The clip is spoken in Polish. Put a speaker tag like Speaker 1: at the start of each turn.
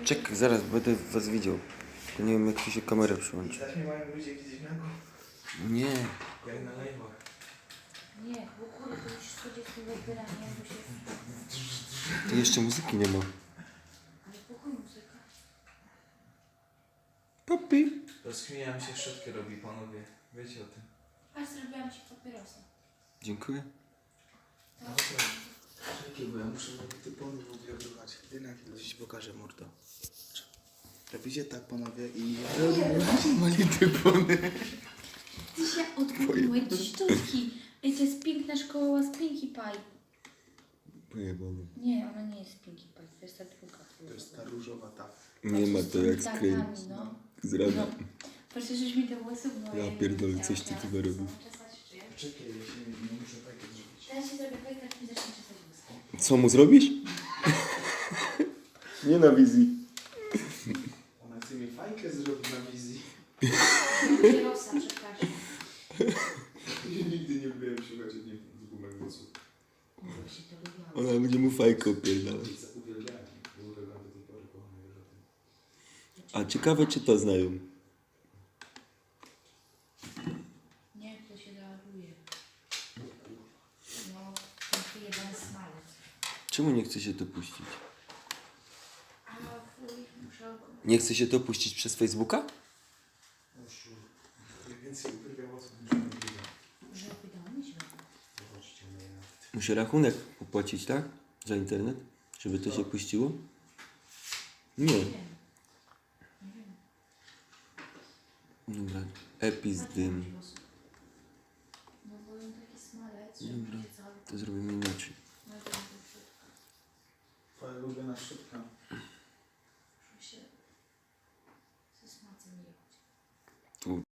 Speaker 1: Czekaj, zaraz będę was widział. Tylko nie wiem, jak tu się kamera przyłączy.
Speaker 2: Znasz mnie mają ludzie gdzieś na górze.
Speaker 1: Nie.
Speaker 2: Jak na live'ach.
Speaker 3: Nie, bo kurde, to już 40 wybierania, bo się...
Speaker 1: Tu jeszcze muzyki nie ma.
Speaker 3: Ale pokój muzyka.
Speaker 1: Papi.
Speaker 2: Rozchmieniam się, szczotkę robi panowie. Wiecie o tym.
Speaker 3: Aż zrobiłam ci papierosa.
Speaker 1: Dziękuję.
Speaker 2: No czekaj, bo ja muszę typony w ogóle wybrać. Ty na chwilę ci pokażę, mordo. Robicie tak, panowie, i... Mali typony.
Speaker 3: Ty się odkupiłeś sztuczki. Ej, to jest piękna szkoła z Pinkie Pie.
Speaker 1: Pojebane.
Speaker 3: Nie, ona nie jest Pinkie Pie, to jest ta druga.
Speaker 2: To jest ta różowa ta.
Speaker 1: Nie ma to jak
Speaker 3: z
Speaker 1: skryć.
Speaker 3: ptakami, no.
Speaker 1: Z rana.
Speaker 3: No. Patrzcie, żeś mi te włosy moje.
Speaker 1: Ja pierdolę, coś ty tu robił.
Speaker 2: Czekaj, ja się nie muszę tak zrobić.
Speaker 3: Teraz się zrobię fajka, mi zacznie czesać włosy.
Speaker 1: Co mu zrobisz? Nie na wizji.
Speaker 2: Ona chce mi fajkę zrobić na wizji.
Speaker 3: Papierosa, przepraszam.
Speaker 2: Ja nigdy nie byłem słuchać z gumek włosów.
Speaker 3: Właśnie to lubiłam.
Speaker 1: Ona będzie mu fajkę opierdalać.
Speaker 2: Uwielbiałem. Uwielbiałem do tej pory, kochanie, wiesz o tym.
Speaker 1: A ciekawe, czy to znają.
Speaker 3: Nie, to się reaguje. No, ten jeden smalec.
Speaker 1: Czemu nie chce się to puścić?
Speaker 3: A fuj, muszę...
Speaker 1: Nie chce się to puścić przez Facebooka?
Speaker 2: Ja więcej uwielbiam włosów niż nie uwielbiam.
Speaker 3: Może wydało mi się.
Speaker 2: Zobaczcie mnie na...
Speaker 1: Muszę rachunek opłacić, tak? Za internet? Żeby to się puściło? Nie.
Speaker 3: Nie wiem.
Speaker 1: Dobra. Epis dym.
Speaker 3: No bo on taki smalec, że
Speaker 1: Dobra.
Speaker 3: mi się cały...
Speaker 1: To zrobimy inaczej.
Speaker 3: No to jest brzydko.
Speaker 2: Twoja ulubiona szczotka.
Speaker 3: Muszę się ze smacem jechać.
Speaker 1: Tu